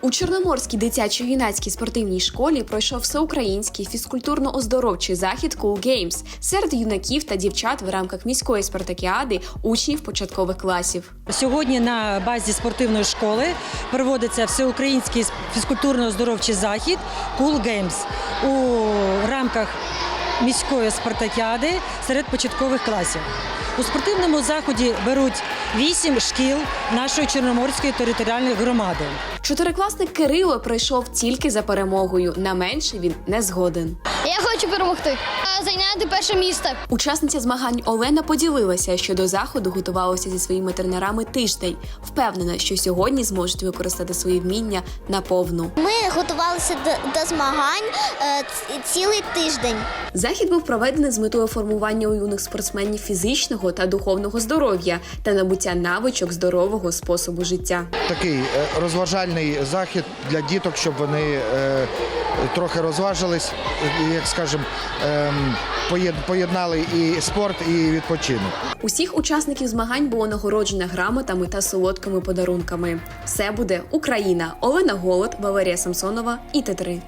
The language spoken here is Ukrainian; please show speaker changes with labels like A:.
A: У Чорноморській дитячо-юнацькій спортивній школі пройшов всеукраїнський фізкультурно-оздоровчий захід Cool Games серед юнаків та дівчат в рамках міської спартакіади учнів початкових класів.
B: Сьогодні на базі спортивної школи проводиться всеукраїнський фізкультурно-оздоровчий захід Cool Games у рамках міської спартакіади серед початкових класів. У спортивному заході беруть 8 шкіл нашої Чорноморської територіальної громади.
A: Чотирикласник Кирило прийшов тільки за перемогою. На менше він не згоден.
C: Я хочу перемогти, зайняти перше місце.
A: Учасниця змагань Олена поділилася, що до заходу готувалася зі своїми тренерами тиждень. Впевнена, що сьогодні зможуть використати свої вміння наповну.
D: Ми готувалися до змагань цілий тиждень.
A: Захід був проведений з метою формування у юних спортсменів фізичного та духовного здоров'я та набуття навичок здорового способу життя.
E: Такий розважальний захід для діток, щоб вони трохи розважились, як скажемо, поєднали і спорт, і відпочинок.
A: Усіх учасників змагань було нагороджено грамотами та солодкими подарунками. Все буде Україна. Олена Голод, Валерія Самсонова, ІТ3.